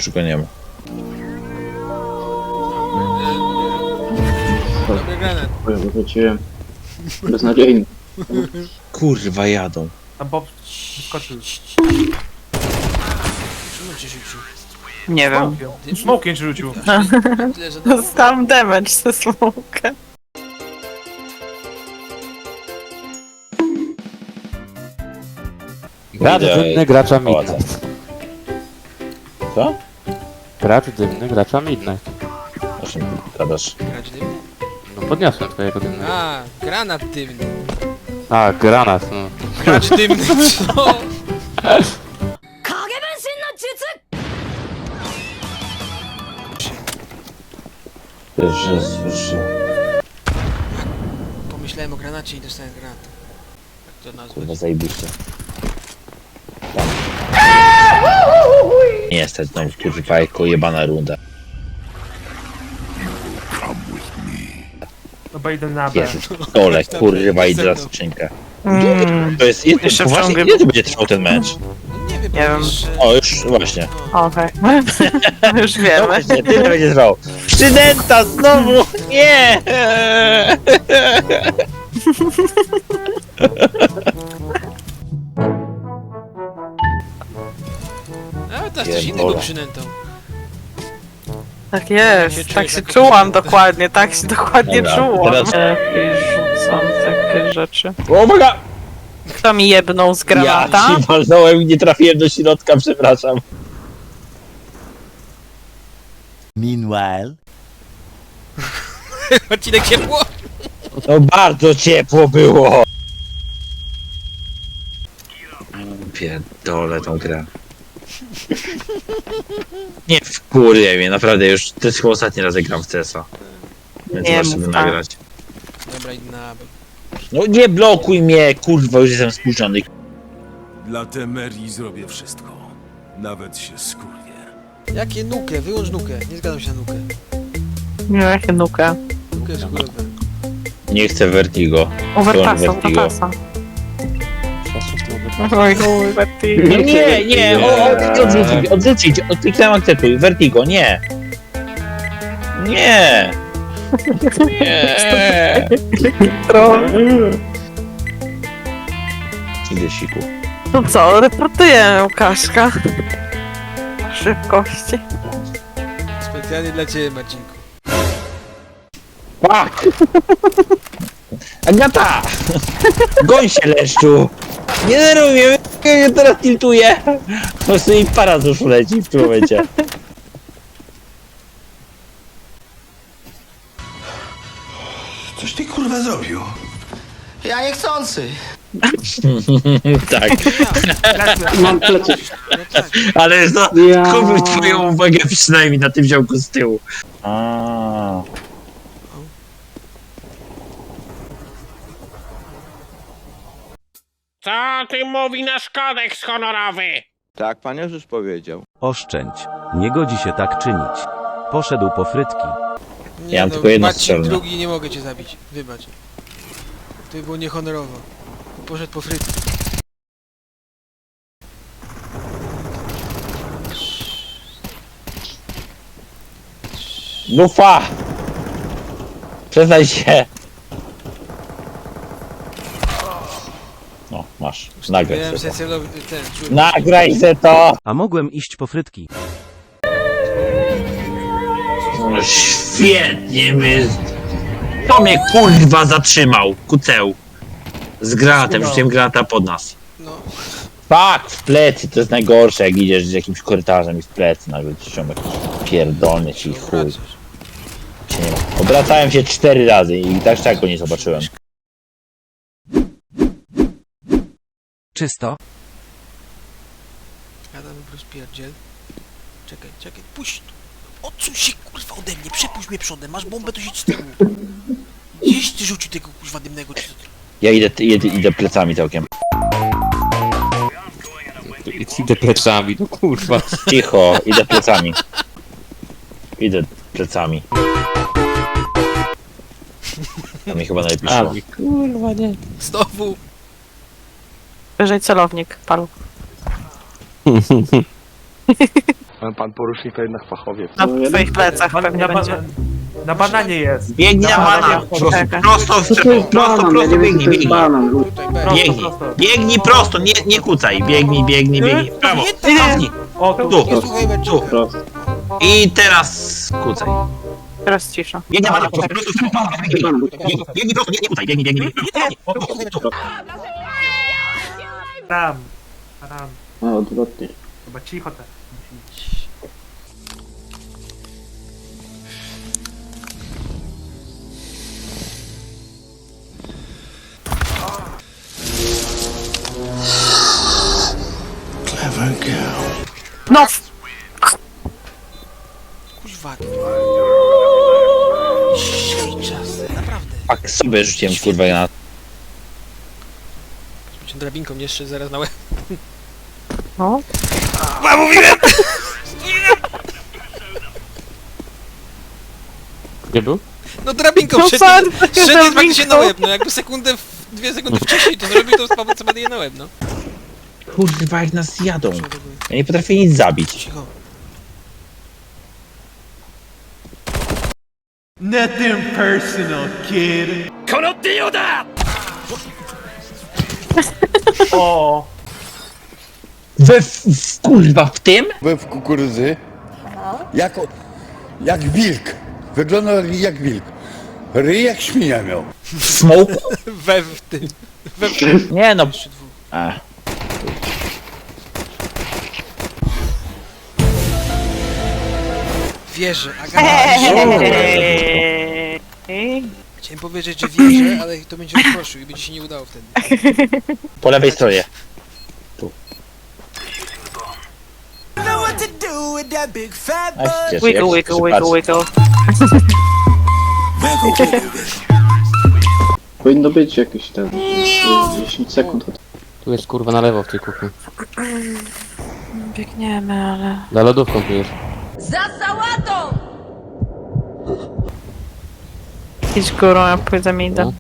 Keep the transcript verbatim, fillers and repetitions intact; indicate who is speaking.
Speaker 1: Już go nie ma.
Speaker 2: Dobry granat.
Speaker 3: Wróciłem. Beznadziejny.
Speaker 1: Kurwa, jadą.
Speaker 4: Tam Bob wyskoczył.
Speaker 2: Czemu cię rzucił?
Speaker 5: Nie wiem.
Speaker 4: Smokiem. Smokiem cię rzucił.
Speaker 2: Tyle, że dało.
Speaker 5: Dostałam damage ze smoka.
Speaker 6: Gracz dymny, gracza midnight.
Speaker 1: Co?
Speaker 6: Gracz dymny, gracza midnight.
Speaker 1: O czym gadasz?
Speaker 2: Grać dymny?
Speaker 6: No podniosłem twojego dymnego.
Speaker 2: A, granat dymny.
Speaker 6: A, granat, no.
Speaker 2: Gracz dymny, co?
Speaker 1: Jezus.
Speaker 2: Pomyślałem o granacie i dostałem granat. Jak to
Speaker 1: Kurwa,
Speaker 2: nazwać?
Speaker 1: zajebiście. Tam. Nie stać na kurwa, jako jebana runda.
Speaker 4: Chyba idę na B.
Speaker 1: Jezus, dole, kurwa, idę za skrzynkę.
Speaker 5: Mm,
Speaker 1: To jest, jest
Speaker 5: Jeszcze
Speaker 1: poważnie,
Speaker 5: wciągiem.
Speaker 1: ile to będzie trwał ten mecz?
Speaker 2: No nie wiem,
Speaker 5: Nie
Speaker 2: bo
Speaker 5: wiem.
Speaker 2: wiesz, że...
Speaker 1: O, już właśnie.
Speaker 5: okej. Już
Speaker 1: No
Speaker 5: wiemy.
Speaker 1: właśnie, tyle będzie trwał. Przydęta znowu! Nie!
Speaker 2: A, teraz coś
Speaker 1: Pierdolę.
Speaker 2: innego przynętą.
Speaker 5: Tak
Speaker 2: Jak się
Speaker 5: jest,
Speaker 2: czujesz
Speaker 5: tak się
Speaker 2: jako
Speaker 5: czułam
Speaker 2: przynęta?
Speaker 5: dokładnie, tak się dokładnie
Speaker 1: Dobra,
Speaker 5: czułam.
Speaker 1: teraz-
Speaker 5: Lepiej rzucam takie rzeczy.
Speaker 1: Uwaga!
Speaker 5: Kto mi jebnął z
Speaker 1: Ja
Speaker 5: granata?
Speaker 1: ci walnąłem i nie trafiłem do środka, przepraszam.
Speaker 7: Meanwhile.
Speaker 2: Odcinek ciepło?
Speaker 1: No bardzo ciepło było! Pierdolę tą grę. Nie wkurwie mnie, naprawdę już, to jest chyba ostatni raz jak gram w C S a. Więc
Speaker 5: Nie
Speaker 1: muszę
Speaker 5: mów tak.
Speaker 1: nagrać.
Speaker 2: Dobra, idę na B.
Speaker 1: No nie blokuj mnie, kurwa, już jestem spuszczony.
Speaker 8: Dla Temerii zrobię wszystko. Nawet się skurwię.
Speaker 2: Jakie nukę? Wyłącz nukę. Nie zgadzam się na nukę.
Speaker 5: Nie, jakie nukę.
Speaker 2: Nukę jest chujowe.
Speaker 1: Nie chcę Vertigo.
Speaker 5: Overpassa,
Speaker 1: Vertigo.
Speaker 5: overpassa. Oj, oj, Vertigo.
Speaker 1: No nie, nie, o, o, odrzucić, odrzucić, odkliknąłem akceptuj, Vertigo, nie. Nie. Nie.
Speaker 5: Troll.
Speaker 1: Idę siku.
Speaker 5: No co, reportuję Łukaszka. Szybkości.
Speaker 2: Specjalnie dla ciebie, Marcinku.
Speaker 1: Fuck! Agata! Goń się, leszczu! Nie denerwuj mnie, ja teraz tiltuję! Po prostu i para z uszu leci w tym momencie.
Speaker 8: Coś ty kurwa zrobił?
Speaker 7: Ja niechcący.
Speaker 1: Tak,
Speaker 3: Mam plecy.
Speaker 2: No tak.
Speaker 1: ale no,
Speaker 3: Ja.
Speaker 1: kupił twoją uwagę przynajmniej na tym działku z tyłu. A.
Speaker 9: Co ty mówi nasz kodeks honorowy?
Speaker 7: Tak, pan już powiedział.
Speaker 10: Oszczędź. Nie godzi się tak czynić. Poszedł po frytki.
Speaker 2: Nie,
Speaker 1: Ja mam
Speaker 2: no,
Speaker 1: tylko jedno
Speaker 2: Marcin
Speaker 1: strzelne.
Speaker 2: drugi nie mogę cię zabić. Wybacz. To by było niehonorowo. Poszedł po frytki.
Speaker 1: Lufa! Przestań się! No, masz. Nagraj
Speaker 2: Miałem
Speaker 1: se to.
Speaker 2: celowy ten, czułem.
Speaker 1: Nagraj se to!
Speaker 10: A mogłem iść po frytki.
Speaker 1: No świetnie my... To mnie kurwa zatrzymał, kuceł. Z granatem, rzuciłem granata pod nas.
Speaker 2: No,
Speaker 1: Tak, w plecy, to jest najgorsze, jak idziesz z jakimś korytarzem i w plecy nagle ci ściąga pierdolny ci chuj.
Speaker 2: wracasz.
Speaker 1: Cię nie ma. Obracałem się cztery razy i tak czego nie zobaczyłem.
Speaker 10: Czysto.
Speaker 2: Adam rozpierdziel. Czekaj, czekaj, puść tu. Odsuń się kurwa ode mnie, przepuść mnie przodem, masz bombę, to siedź z tyłu. Gdzieś ty rzucił tego kurwa dymnego, czy to...
Speaker 1: Ja idę, idę, idę plecami całkiem.
Speaker 6: Idę plecami, no kurwa.
Speaker 1: Cicho, idę plecami. Idę plecami. To mi chyba najlepiej szło.
Speaker 6: Kurwa nie.
Speaker 2: Znowu!
Speaker 5: Wyżej celownik, palu.
Speaker 7: Pan porucznik to jednak fachowiec.
Speaker 5: Na
Speaker 3: No,
Speaker 5: twoich plecach
Speaker 4: Na,
Speaker 5: pewnie
Speaker 4: na,
Speaker 5: będzie.
Speaker 4: ba- na bananie jest.
Speaker 1: Biegnij na
Speaker 4: Na
Speaker 1: bana!
Speaker 4: bananie
Speaker 1: Prosto,
Speaker 5: czeka.
Speaker 1: prosto,
Speaker 3: Co to jest
Speaker 1: prosto,
Speaker 3: banan? Ja
Speaker 1: prosto,
Speaker 3: nie wiem, co
Speaker 1: biegnij,
Speaker 3: to jest
Speaker 1: biegnij.
Speaker 3: banan.
Speaker 2: Tutaj, B.
Speaker 4: Prosto,
Speaker 1: Biegnij,
Speaker 4: prosto.
Speaker 1: biegnij prosto, nie, nie kucaj, biegnij, biegnij, biegnij. W prawo, cofnij,
Speaker 4: O, tu.
Speaker 1: tu,
Speaker 2: Nie słuchaj
Speaker 1: tu.
Speaker 2: Benczyka.
Speaker 3: Prosto.
Speaker 1: I teraz kucaj.
Speaker 5: Teraz cisza.
Speaker 1: Biegnij na bana, prosto, prosto, prosto, biegnij, biegnij, biegnij prosto, nie, nie kucaj, biegnij, biegnij, biegnij.
Speaker 4: Tam. Tam.
Speaker 3: A, odwrotnie.
Speaker 4: Chyba cicho te.
Speaker 5: No!
Speaker 2: Kuźwa. Świczas, naprawdę.
Speaker 1: Tak sobie rzuciłem kurwa na...
Speaker 2: Cię drabinką nie jeszcze zaraz na łeb.
Speaker 5: No.
Speaker 2: A, mówiłem!
Speaker 6: Gdzie był?
Speaker 2: No drabinką
Speaker 5: No
Speaker 2: szedł,
Speaker 5: bardzo,
Speaker 2: szedł
Speaker 5: drabinką.
Speaker 2: faktycznie na łeb, no jakby sekundę, w, dwie sekundy wcześniej to zrobił, to spadł sobie je na łeb, no.
Speaker 1: Kurwa jak nas jadą. Ja nie potrafię nic zabić.
Speaker 2: Cicho.
Speaker 4: O!
Speaker 1: We, w, w, kurwa w tym?
Speaker 7: Byłem w kukurydzy. Jak, jak wilk. Wyglądał jak wilk. Ryj jak świnia miał.
Speaker 1: W smoku?
Speaker 2: We w tym.
Speaker 1: Nie no.
Speaker 2: Jeszcze dwóch.
Speaker 1: A.
Speaker 2: Wierzę, Agata, wierzę.
Speaker 5: Ej.
Speaker 2: Chciałem powiedzieć, że wierzę, ale to będzie rozproszył i będzie się nie udało wtedy.
Speaker 1: Po lewej stronie. A się cieszę,
Speaker 5: Wiggle,
Speaker 1: jak
Speaker 5: wiggle,
Speaker 1: się
Speaker 5: wiggle,
Speaker 1: patrzy.
Speaker 5: wiggle.
Speaker 3: Powinno być jakieś tam dziesięć sekund.
Speaker 6: Tu jest kurwa na lewo w tej kuchni.
Speaker 5: Biegniemy, ale...
Speaker 6: Za lodówką tu jest.
Speaker 5: Idź górą, ja pójdę mi idę.
Speaker 6: No.